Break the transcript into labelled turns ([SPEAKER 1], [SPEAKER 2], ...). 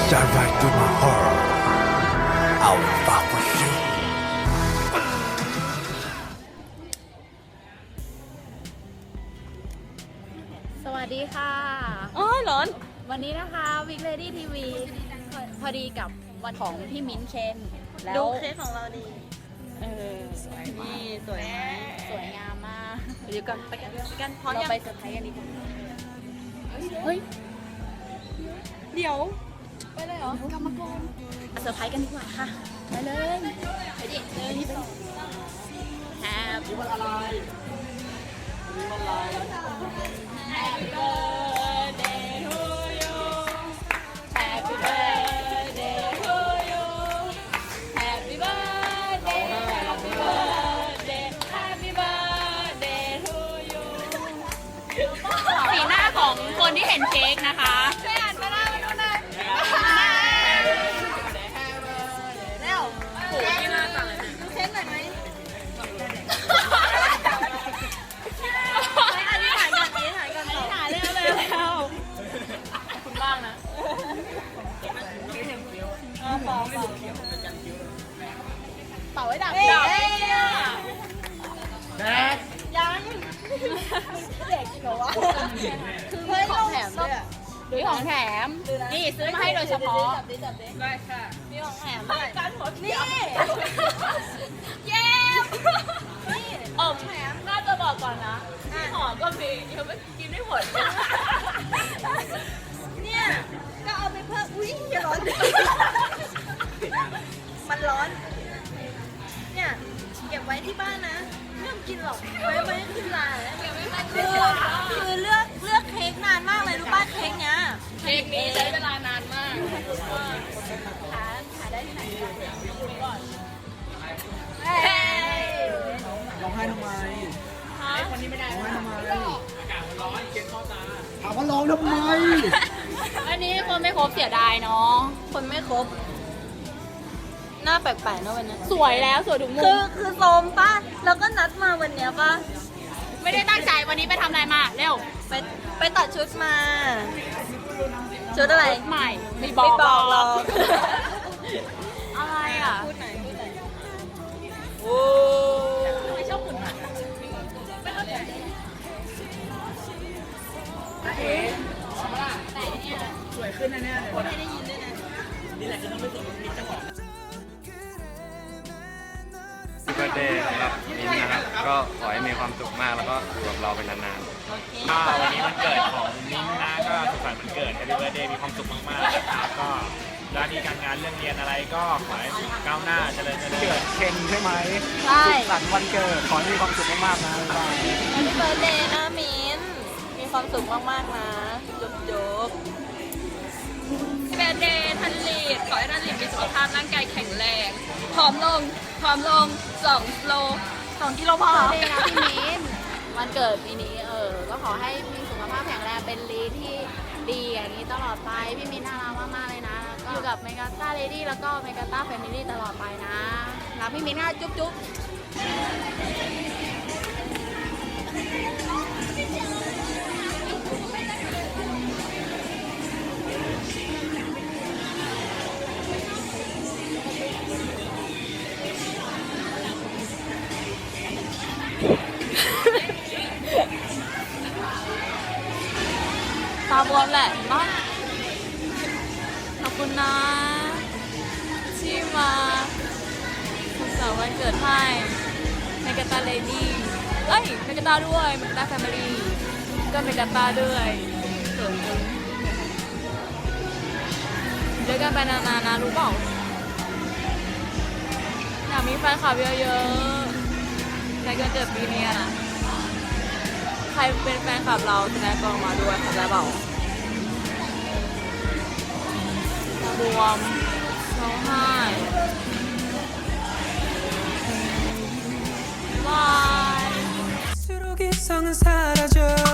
[SPEAKER 1] Dive right through my heart. I will fight for you.
[SPEAKER 2] สวัสดีค่ะ
[SPEAKER 3] อ๋อร้อน
[SPEAKER 2] วันนี้นะคะวิกเลดี้ทีวีพอดีกับวันของพี่มิ้นท์เคนแล้
[SPEAKER 3] ดู
[SPEAKER 2] ว
[SPEAKER 3] เค้กของเราดีสวยนี่สวยไหม
[SPEAKER 2] สวยงามมาก
[SPEAKER 3] เดี๋ยวกันไปกันพร้อม
[SPEAKER 2] เรา
[SPEAKER 3] ยัง
[SPEAKER 2] ไปเซอร์ไพรส์กันดีกว่า
[SPEAKER 3] เฮ้ยเดี๋ยว
[SPEAKER 2] ไปเลยเหรอกลับมาก่อนเซอร์ไพรส์กันดีกว่าค่ะไปเลยไปดิเลยนี่ไปแฮปปี้วันอะไรHappy birthday to you Happy birthday to you Happy birthday Happy birthday Happy birthday to you สีหน้าของคนที่เห็นเค้กนะคะช่วยอ่านมาหน้ามาดูหน่อยเร็วโอ้ยน่าสั่งเลยดูเค้กหน่อยไหมอันนี้ถ่ายก่อนถ่ายเร็วคุณบ้างนะเป่าไว้ดับดับยังเด็กเหรอวะคือของแถมด้วยซื้อของแถมนี่ซื้อมาให้โดยเฉพาะได้ค่ะมีของแถมด้วยนี่เย้แถมน่าจะบอกก่อนนะหอก็มียังไม่กินไม่หมด
[SPEAKER 3] เนี่ยก็เอาไปเพิ่มอุ้ยอย่าร้อนมันร้อนเนี่ยเก็บไว้ที่บ้านนะไม่ต้องกินหรอกไว้ขึ้นลาคือเลือกเค้กนานมากเลยรู้ป่ะเค้กเนี้ย
[SPEAKER 2] เค้กนี้ใช้เวลานานมากหาได้ที่ไหนก่อน
[SPEAKER 1] ร้องไห้ทำไม
[SPEAKER 2] คนนี้ไม่ได้
[SPEAKER 1] ร้องไห้ทำไมอากาศมันร้อนเย็นเข้าตาถามว่าร้องทำไม
[SPEAKER 2] อันนี้คนไม่ครบเสียดายเนาะ
[SPEAKER 3] คนไม่ครบหน้าแปลกๆนะวันนี้
[SPEAKER 2] สวยแล้วสวยทุกมุม
[SPEAKER 3] คือโซมป่ะแล้วก็นัดมาวันเนี้ยป่ะ
[SPEAKER 2] ไม่ได้ตั้งใจวันนี้ไปทำอะไรมาเร็ว
[SPEAKER 3] ไปตัดชุดมาชุดอะไร
[SPEAKER 2] ใหม่ไม่
[SPEAKER 3] ไม่บอกหรอก
[SPEAKER 2] อะไรอ่ะ
[SPEAKER 3] พูดไหนโอ้
[SPEAKER 2] ไม่ชอบหุ่นอ่ะสวยขึ้นนะเนี่ย
[SPEAKER 3] พูดให้ได้ยินด้วยนะ
[SPEAKER 4] เบิร์ธเดย์สำหรับมิ้นท์นะครับ ก็ขอให้มีความสุขมากแล้วก็อยู่กับเราเป็นนาน
[SPEAKER 3] โอเค
[SPEAKER 4] ๆก็วันนี้วันเกิดของมิ้นท์นะก็สุขสันต์วันเกิด Happy Birthday มีความสุขมากๆนะครับก็หน้าที่การงานเรื่องเรียนอะไรก็ขอให้ก้าวหน้าเจริญเกิดเคนใช่ไหม
[SPEAKER 3] ใช่
[SPEAKER 4] สุขสันต์วันเกิดขอให้มีความสุขมากๆนะบ๊ายบาย
[SPEAKER 3] Happy birthday นะมิ้นมีความสุขมากๆนะจุ๊บ
[SPEAKER 2] เบเดย์ทันลีดขอให้ทันลีดมีสุขภาพร่างกายแข็งแรงผอมลง2 โล
[SPEAKER 3] 2 กิโลพอ
[SPEAKER 2] เบนะพี่มิ้นวันเกิดปีนี้ก็ขอให้มีสุขภาพแข็งแรงเป็นลีดที่ดีอย่างนี้ตลอดไปพี่มิ้นน่ารักมากๆเลยนะก็อยู่กับเมกาต้าเลดี้แล้วก็เมกาต้าแฟมิลี่ตลอดไปนะรักพี่มิ้นนะจุ๊บจุ๊บตาบวมแหละเนาะขอบคุณนะที่มาสุขสันต์วันเกิดให้เมกาตาเลดี้เอ้ยเมกาตาด้วยเมกาตาแฟมิลี่ก็เมกาตาด้วยเกิดจริงเจอกันไปนานๆนะรู้เปล่าอยากมีแฟนคลับเยอะๆในวันเกิดปีนี้นะใครเป็นแฟนคลับเราแสดงกองมาด้วยเข้าใจเปล่าบวมร้องไห้บาย
[SPEAKER 1] 스로 기성은 사라져